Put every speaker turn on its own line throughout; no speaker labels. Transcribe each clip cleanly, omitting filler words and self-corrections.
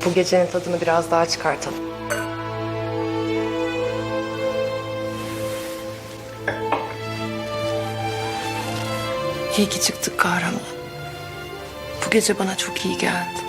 Bu gecenin tadını biraz daha çıkartalım. İyi ki çıktık kahraman. Bu gece bana çok iyi geldi.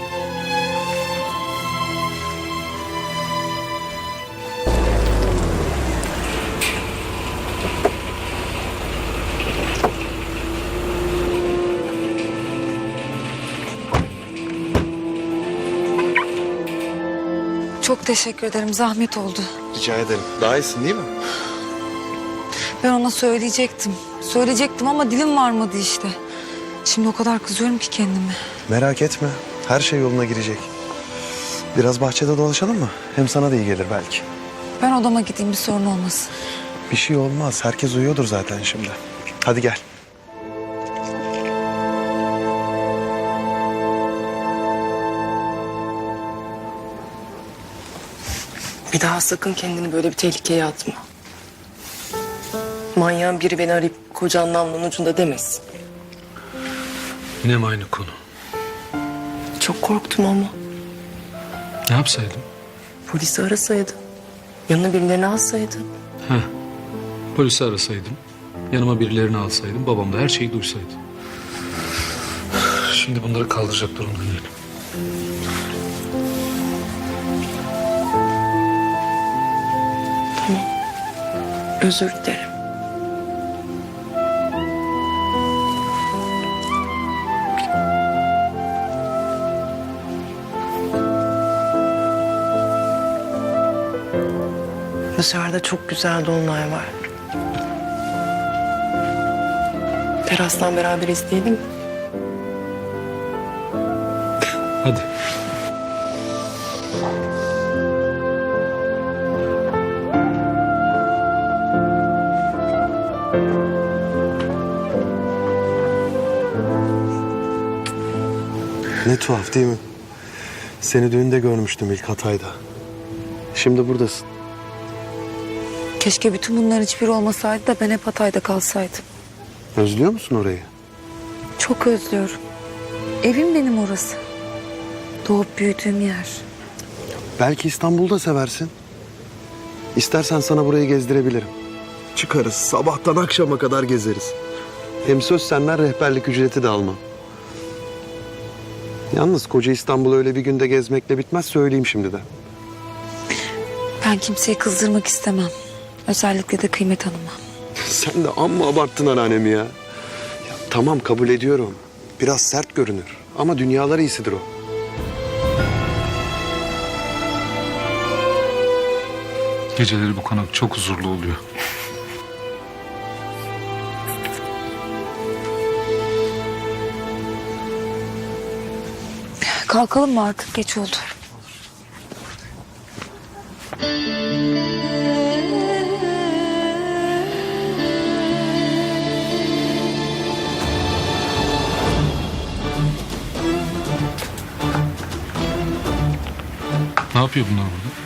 Çok teşekkür ederim. Zahmet oldu.
Rica ederim. Daha iyisin değil mi?
Ben ona söyleyecektim. Söyleyecektim ama dilim varmadı işte. Şimdi o kadar kızıyorum ki kendime.
Merak etme. Her şey yoluna girecek. Biraz bahçede dolaşalım mı? Hem sana da iyi gelir belki.
Ben odama gideyim, bir sorun olmasın.
Bir şey olmaz. Herkes uyuyordur zaten şimdi. Hadi gel.
Bir daha sakın kendini böyle bir tehlikeye atma. Manyağın biri beni arayıp kocan namlunun ucunda demesin.
Yine mi aynı konu?
Çok korktum ama.
Ne yapsaydım?
Polisi arasaydın. Yanına birilerini alsaydın.
Heh. Polisi arasaydım. Yanıma birilerini alsaydım. Babam da her şeyi duysaydı. Şimdi bunları kaldıracak durumda değilim.
Tamam. Özür dilerim. Dışarıda çok güzel dolunay var. Terastan beraber izleyelim mi?
Hadi.
Ne tuhaf değil mi? Seni düğünde görmüştüm ilk Hatay'da. Şimdi buradasın.
Keşke bütün bunların hiçbiri olmasaydı da ben hep Hatay'da kalsaydım.
Özlüyor musun orayı?
Çok özlüyorum. Evim benim orası. Doğup büyüdüğüm yer.
Belki İstanbul'da seversin. İstersen sana burayı gezdirebilirim. Çıkarız, sabahtan akşama kadar gezeriz. Hem söz senden rehberlik ücreti de almam. Yalnız koca İstanbul'u öyle bir günde gezmekle bitmez, söyleyeyim şimdiden.
Ben kimseyi kızdırmak istemem. Özellikle de Kıymet Hanım'a.
Sen de amma abarttın anneannemi ya. Tamam, kabul ediyorum. Biraz sert görünür ama dünyalar iyisidir o.
Geceleri bu konak çok huzurlu oluyor.
Kalkalım mı artık? Geç oldu.
Ne yapıyor bunlar burada?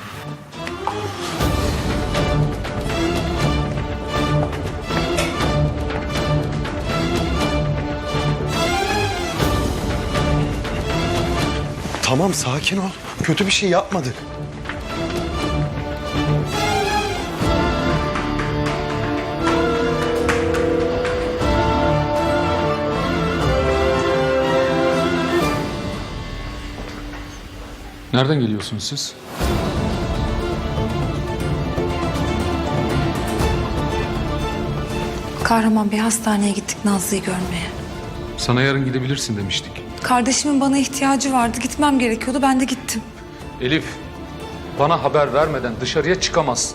Tamam, sakin ol. Kötü bir şey yapmadık.
Nereden geliyorsunuz siz?
Kahraman Bey, hastaneye gittik Nazlı'yı görmeye.
Sana yarın gidebilirsin demiştik.
Kardeşimin bana ihtiyacı vardı. Gitmem gerekiyordu. Ben de gittim.
Elif, bana haber vermeden dışarıya çıkamazsın.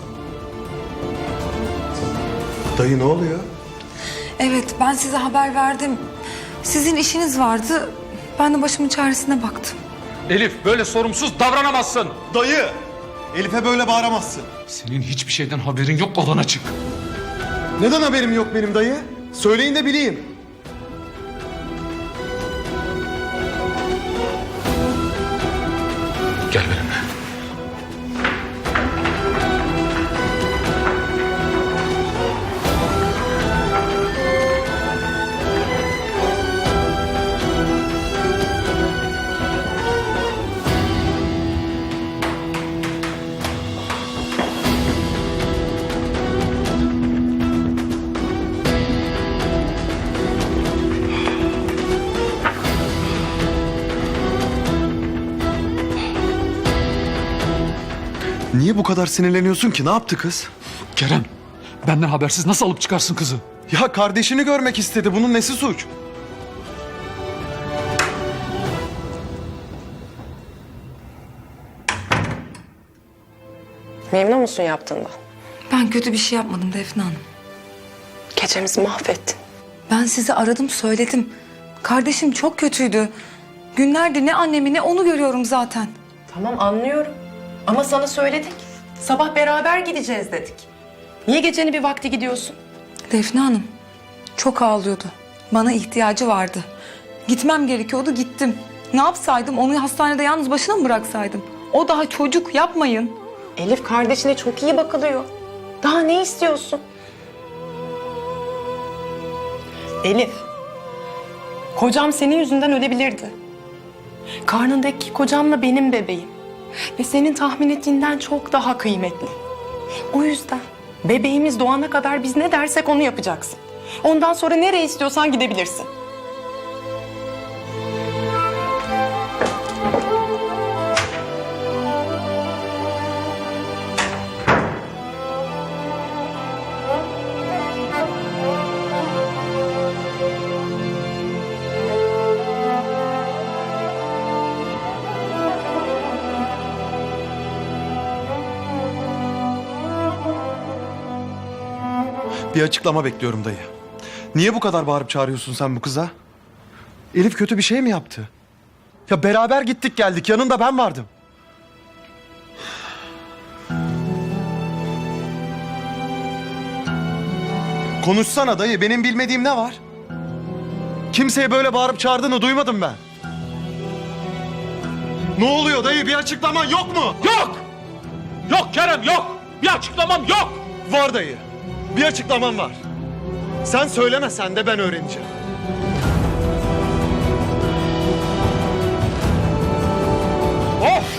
Dayı ne oluyor?
Evet, ben size haber verdim. Sizin işiniz vardı. Ben de başımın çaresine baktım.
Elif, böyle sorumsuz davranamazsın.
Dayı! Elif'e böyle bağıramazsın.
Senin hiçbir şeyden haberin yok, odana çık.
Neden haberim yok benim dayı? Söyleyin de bileyim.
Gel benimle.
Niye bu kadar sinirleniyorsun ki? Ne yaptı kız?
Kerem, benden habersiz nasıl alıp çıkarsın kızı?
Ya kardeşini görmek istedi. Bunun nesi suç?
Memnun musun yaptığından?
Ben kötü bir şey yapmadım Defne Hanım.
Gecemizi mahvettin.
Ben sizi aradım söyledim. Kardeşim çok kötüydü. Günlerdir ne annemi ne onu görüyorum zaten.
Tamam anlıyorum. Ama sana söyledik. Sabah beraber gideceğiz dedik. Niye gecenin bir vakti gidiyorsun?
Defne Hanım çok ağlıyordu. Bana ihtiyacı vardı. Gitmem gerekiyordu gittim. Ne yapsaydım onu hastanede yalnız başına mı bıraksaydım? O daha çocuk yapmayın.
Elif kardeşine çok iyi bakılıyor. Daha ne istiyorsun? Elif, kocam senin yüzünden ölebilirdi. Karnındaki kocamla benim bebeğim. Ve senin tahmin ettiğinden çok daha kıymetli. O yüzden bebeğimiz doğana kadar biz ne dersek onu yapacaksın. Ondan sonra nereye istiyorsan gidebilirsin.
Bir açıklama bekliyorum dayı. Niye bu kadar bağırıp çağırıyorsun sen bu kıza? Elif kötü bir şey mi yaptı? Ya beraber gittik geldik. Yanında ben vardım. Konuşsana dayı. Benim bilmediğim ne var? Kimseye böyle bağırıp çağırdığını duymadım ben. Ne oluyor dayı? Bir açıklaman yok mu?
Yok! Yok Kerem yok! Bir açıklamam yok!
Var dayı. Bir açıklaman var. Sen söylemesen de ben öğreneceğim.
Of!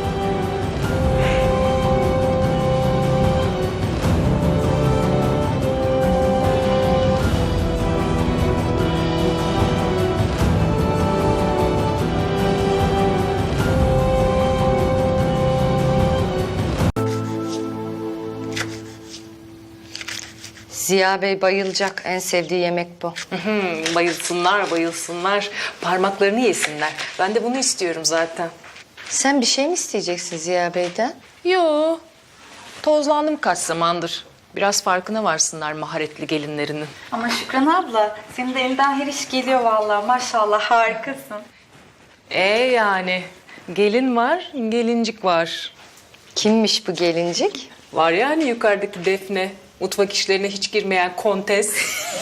Ziya Bey bayılacak. En sevdiği yemek bu.
Bayılsınlar, bayılsınlar. Parmaklarını yesinler. Ben de bunu istiyorum zaten.
Sen bir şey mi isteyeceksin Ziya Bey'den?
Yo, tozlandım kaç zamandır. Biraz farkına varsınlar maharetli gelinlerinin.
Ama Şükran abla, senin de elinden her iş geliyor vallahi. Maşallah harikasın.
Yani gelin var, gelincik var.
Kimmiş bu gelincik?
Var yani yukarıdaki Defne. Mutfak işlerine hiç girmeyen kontes.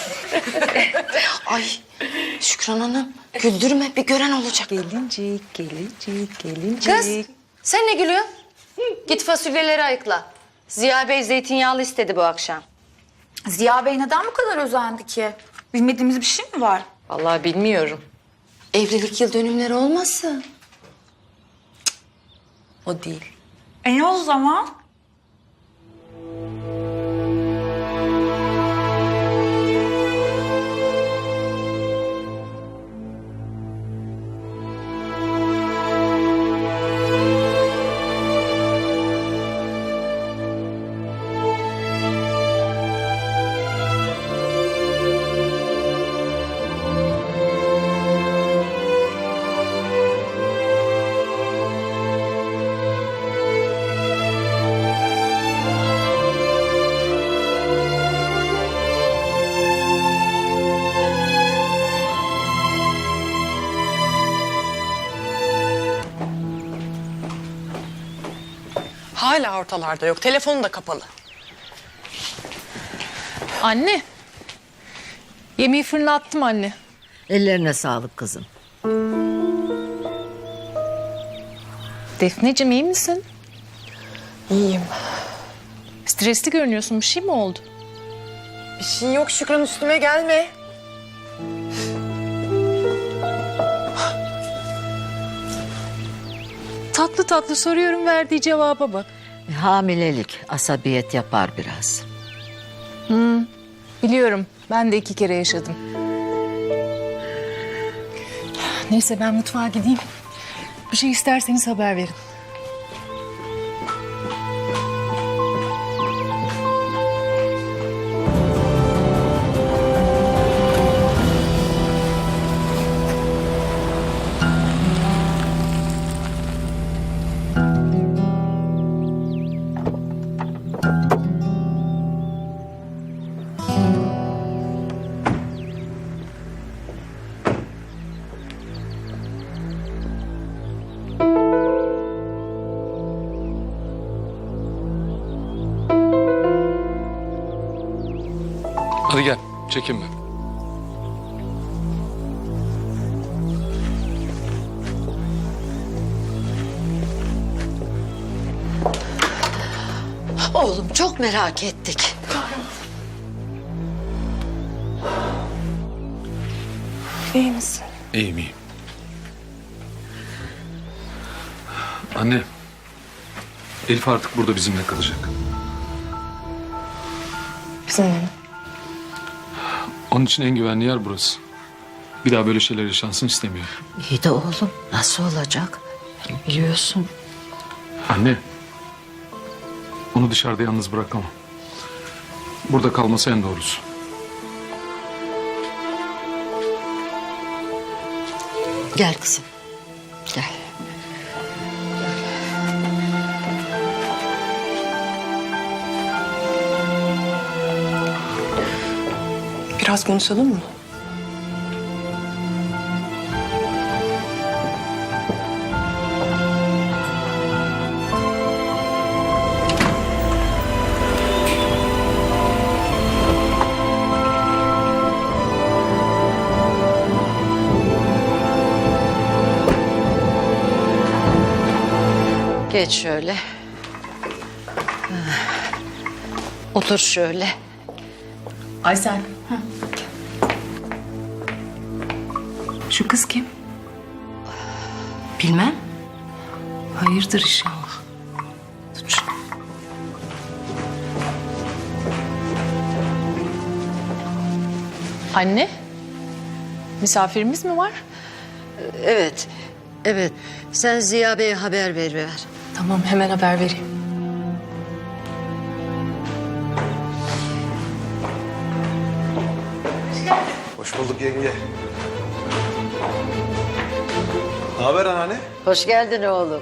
Ay Şükran Hanım güldürme, bir gören olacak.
Gelincik, gelincik, gelincik.
Kız sen ne gülüyorsun? Git fasulyeleri ayıkla. Ziya Bey zeytinyağlı istedi bu akşam.
Ziya Bey neden bu kadar özendi ki? Bilmediğimiz bir şey mi var?
Vallahi bilmiyorum.
Evlilik yıl dönümleri olmasın?
O değil.
Ne o zaman?
Hala ortalarda yok. Telefonu da kapalı.
Anne. Yemeği fırına attım anne.
Ellerine sağlık kızım.
Defneciğim iyi misin?
İyiyim.
Stresli görünüyorsun. Bir şey mi oldu?
Bir şey yok Şükran, üstüme gelme.
Tatlı tatlı soruyorum, verdiği cevaba bak.
Hamilelik asabiyet yapar biraz.
Biliyorum. Ben de 2 kere yaşadım. Neyse ben mutfağa gideyim. Bir şey isterseniz haber verin.
Hadi gel, çekinme.
Oğlum çok merak ettik.
İyi misin?
İyiyim, iyiyim. Anne, Elif artık burada bizimle kalacak.
Bizimle mi?
Onun için en güvenli yer burası. Bir daha böyle şeyler yaşansın istemiyorum.
İyi de oğlum nasıl olacak? Biliyorsun.
Anne, onu dışarıda yalnız bırakamam. Burada kalması en doğrusu.
Gel kızım. Gel.
Biraz konuşalım mı?
Geç şöyle. Otur şöyle.
Aysel.
Şu kız kim?
Bilmem.
Hayırdır inşallah. Tut şunu.
Anne. Misafirimiz mi var?
Evet. Evet. Sen Ziya Bey'e haber ver.
Tamam, hemen haber vereyim.
Hoş bulduk yenge. Ne haber anneanne?
Hoş geldin oğlum.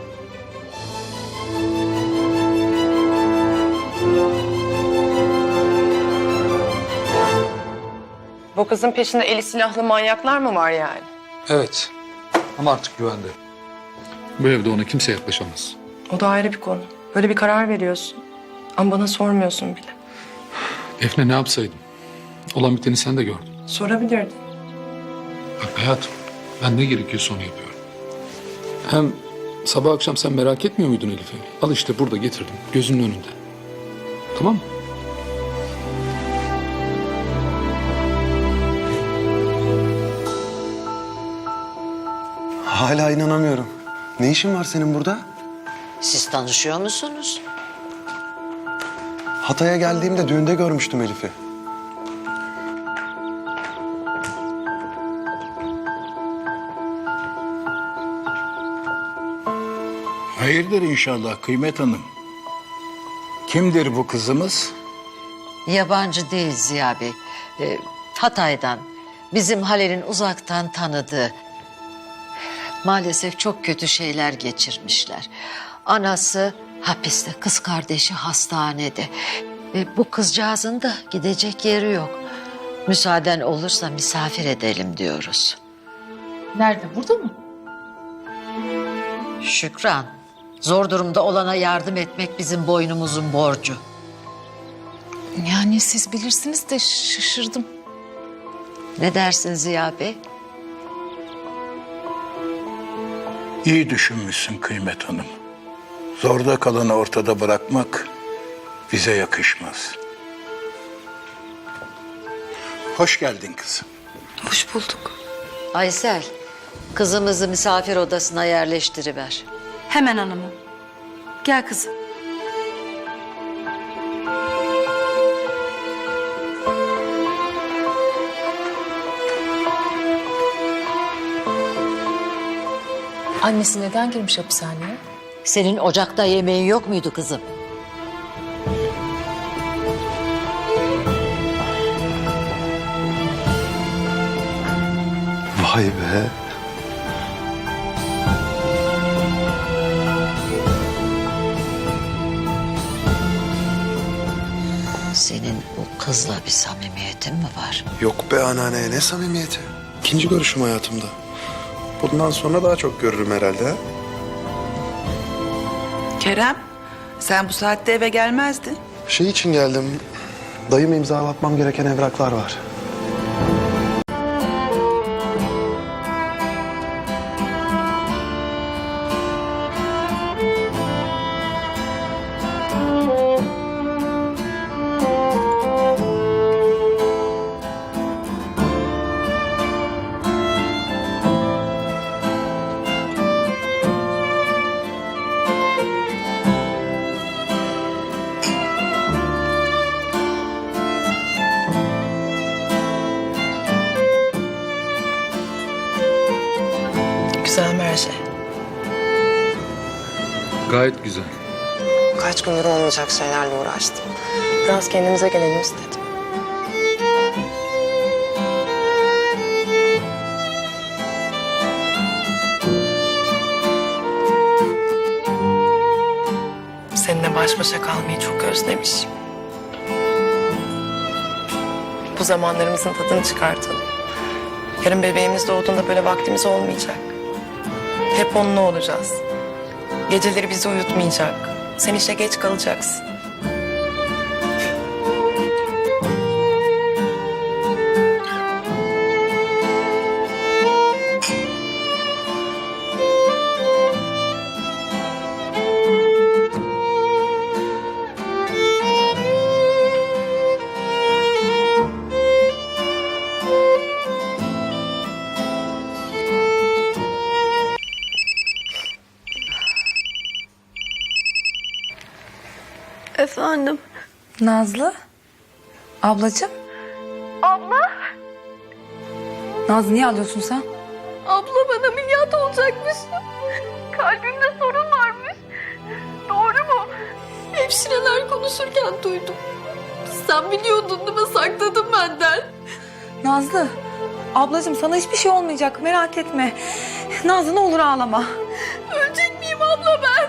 Bu kızın peşinde eli silahlı manyaklar mı var yani?
Evet, ama artık güvende. Bu evde ona kimse yaklaşamaz.
O da ayrı bir konu. Böyle bir karar veriyorsun. Ama bana sormuyorsun bile.
Defne ne yapsaydım? Olan biteni sen de gördün.
Sorabilirdin.
Bak hayatım, ben ne gerekiyorsa onu yapıyorum. Hem sabah akşam sen merak etmiyor muydun Elif'i? Al işte burada getirdim, gözünün önünde. Tamam mı?
Hala inanamıyorum. Ne işin var senin burada?
Siz tanışıyor musunuz?
Hatay'a geldiğimde düğünde görmüştüm Elif'i.
Hayırdır inşallah Kıymet Hanım. Kimdir bu kızımız?
Yabancı değil Ziya Bey. Hatay'dan. Bizim Halil'in uzaktan tanıdığı. Maalesef çok kötü şeyler geçirmişler. Anası hapiste, kız kardeşi hastanede. Bu kızcağızın da gidecek yeri yok. Müsaaden olursa misafir edelim diyoruz.
Nerede? Burada mı?
Şükran, zor durumda olana yardım etmek bizim boynumuzun borcu.
Yani siz bilirsiniz de şaşırdım.
Ne dersin Ziya Bey?
İyi düşünmüşsün Kıymet Hanım. Zorda kalanı ortada bırakmak bize yakışmaz. Hoş geldin kızım.
Hoş bulduk.
Aysel, kızımızı misafir odasına yerleştiriver.
Hemen hanımım. Gel kızım.
Annesi neden girmiş hapishaneye?
Senin ocakta yemeğin yok muydu kızım?
Vay be.
Senin o kızla bir samimiyetin mi var?
Yok be anneanne, ne samimiyeti. İkinci görüşüm hayatımda. Bundan sonra daha çok görürüm herhalde. Ha?
Kerem, sen bu saatte eve gelmezdin.
Şey için geldim. Dayım imzalatmam gereken evraklar var.
Güzel mi her şey?
Gayet güzel.
Kaç gündür olmayacak şeylerle uğraştım. Biraz kendimize gelelim istedim. Seninle baş başa kalmayı çok özlemişim. Bu zamanlarımızın tadını çıkartalım. Yarın bebeğimiz doğduğunda böyle vaktimiz olmayacak. Hep onunla olacağız. Geceleri bizi uyutmayacak. Sen işe geç kalacaksın.
Efendim? Nazlı? Ablacığım?
Abla?
Nazlı niye ağlıyorsun sen?
Abla ben ameliyat olacakmış. Kalbimde sorun varmış. Doğru mu? Hemşireler konuşurken duydum. Sen biliyordun değil mi? Sakladın benden.
Nazlı, ablacığım sana hiçbir şey olmayacak merak etme. Nazlı ne olur ağlama.
Ölecek miyim abla ben?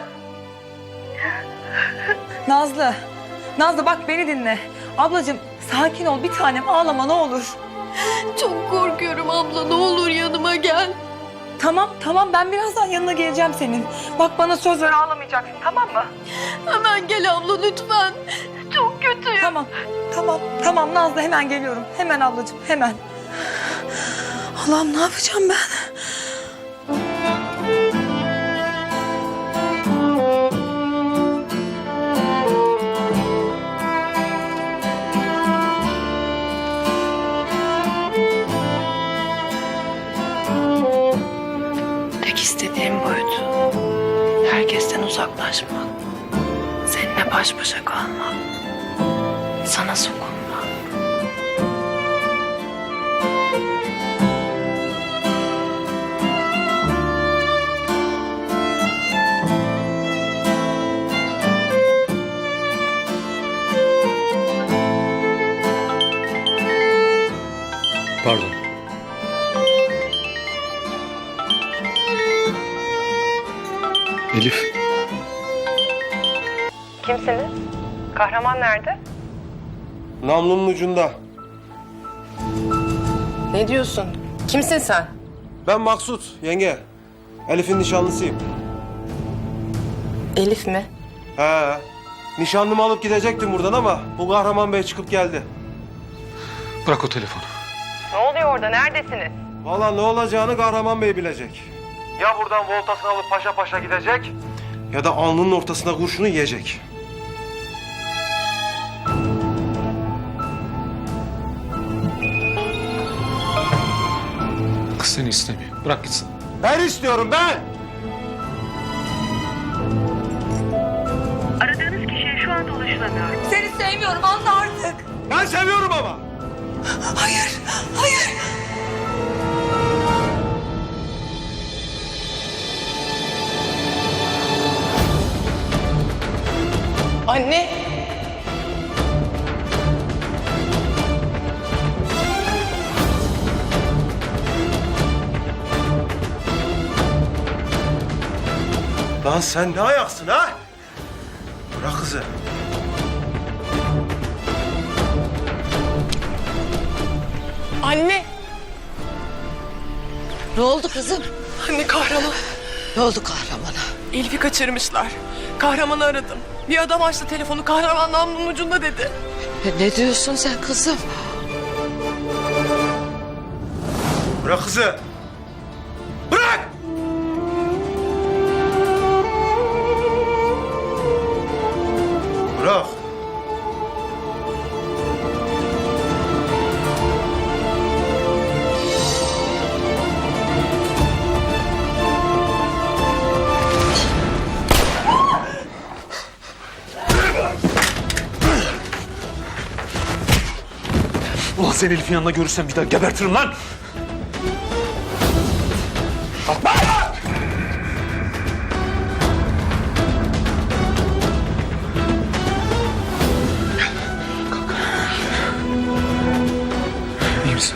Nazlı, Nazlı bak beni dinle. Ablacığım sakin ol bir tanem ağlama ne olur.
Çok korkuyorum abla. Ne olur yanıma gel.
Tamam ben birazdan yanına geleceğim senin. Bak bana söz ver ağlamayacaksın tamam mı?
Hemen gel abla lütfen. Çok kötüyüm.
Tamam Nazlı hemen geliyorum. Hemen ablacığım hemen. Allah'ım ne yapacağım ben?
Tek istediğim buydu. Herkesten uzaklaşmak. Seninle baş başa kalmak. Sana sokulmak.
Pardon. Elif.
Kimsiniz? Kahraman nerede?
Namlunun ucunda.
Ne diyorsun? Kimsin sen?
Ben Maksut, yenge. Elif'in nişanlısıyım.
Elif mi?
He. Nişanlımı alıp gidecektim buradan ama bu Kahraman Bey çıkıp geldi.
Bırak o telefonu.
Ne oluyor orada? Neredesiniz?
Vallahi ne olacağını Kahraman Bey bilecek. Ya buradan voltasını alıp paşa paşa gidecek ya da alnının ortasına kurşunu yiyecek.
Kız seni istemiyor. Bırak gitsin.
Ben istiyorum ben.
Aradığınız kişiye şu anda ulaşılamıyor.
Seni sevmiyorum anla artık.
Ben seviyorum ama.
Hayır.
Anne!
Lan sen ne ayaksın ha? Bırak kızı.
Anne!
Ne oldu kızım?
Anne kahraman.
Ne oldu kahramana?
Elif'i kaçırmışlar. Kahramanı aradım. Bir adam açtı telefonu. Kahraman namlunun ucunda dedi.
Ne diyorsun sen kızım?
Bırak kızı. Bırak! Bırak.
Ulan seni Elif'in yanında görürsem bir daha gebertirim lan.
İyi misin?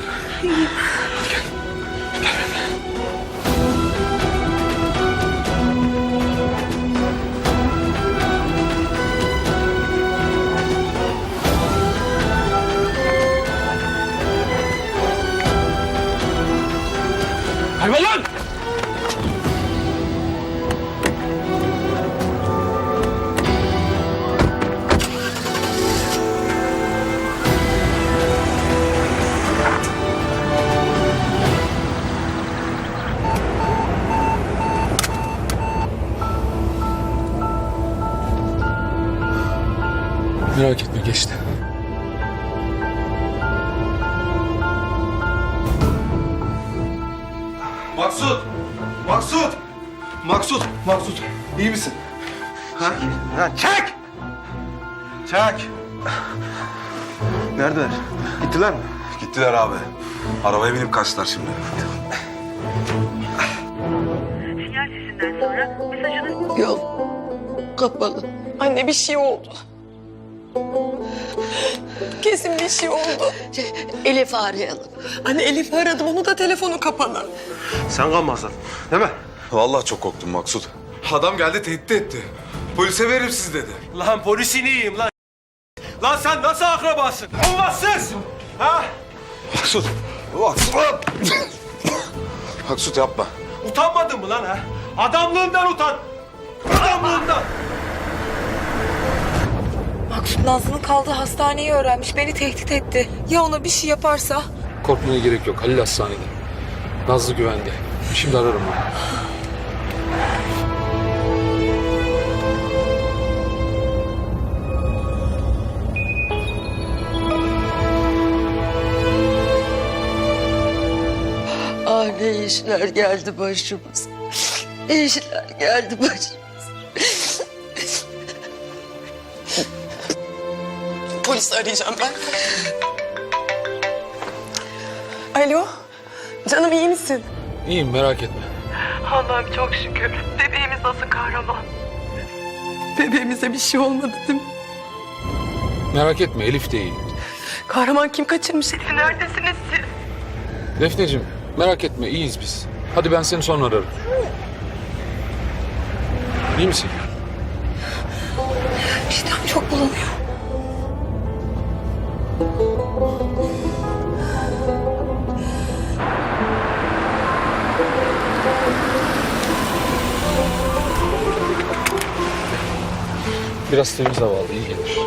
Kaybol lan!
Merak etme geçti.
Maksut! Maksut! Maksut! Maksut! İyi misin? Ha? Ha, çek! Çek! Neredeler? Gittiler mi?
Gittiler abi. Arabaya binip kaçtılar şimdi.
Sinyal sesinden sonra mesajını...
Yok. Kapalı.
Anne bir şey oldu. Kesin bir şey oldu.
Elif'i arayalım.
Anne Elif'i aradım, onu da telefonu kapalı.
Sen kalmazsın, değil mi?
Vallahi çok korktum Maksut. Adam geldi tehdit etti. Polise veririm sizi dedi.
Lan polisini yiyeyim lan. Lan sen nasıl akrabasın? Olmazsız! Ha?
Maksut! Maksut! Maksut yapma.
Utanmadın mı lan ha? Adamlığından utan! Adamlığından!
Maksut Nazlı'nın kaldığı hastaneyi öğrenmiş. Beni tehdit etti. Ya ona bir şey yaparsa?
Korkmaya gerek yok. Halil hastanede. Nazlı güvende. Şimdi ararım onu.
Ah ne işler geldi başımıza. Ne işler geldi başımıza.
Polisi arayacağım ben. Alo, canım iyi misin?
İyiyim merak etme.
Allah'ım çok şükür. Bebeğimiz nasıl kahraman? Bebeğimize bir şey olmadı değil mi?
Merak etme Elif de iyi.
Kahraman kim kaçırmış Elif'i? Neredesiniz siz?
Defneciğim merak etme iyiyiz biz. Hadi ben seni sonra ararım. İyi misin?
İştahım çok bulanıyor.
Biraz temiz hava al, iyi gelir.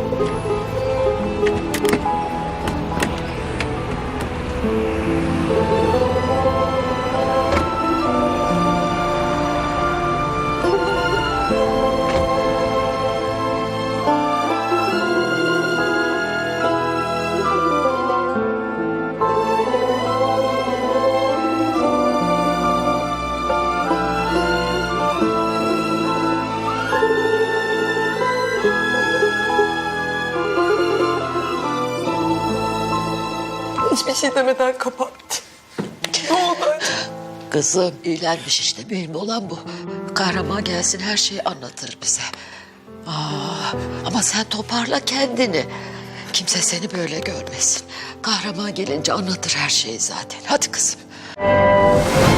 Hiçbir şey demeden kapattı. Ne oldu acaba?
Kızım iyilenmiş işte. Mühim olan bu. Kahraman gelsin her şeyi anlatır bize. Ama sen toparla kendini. Kimse seni böyle görmesin. Kahraman gelince anlatır her şeyi zaten. Hadi kızım.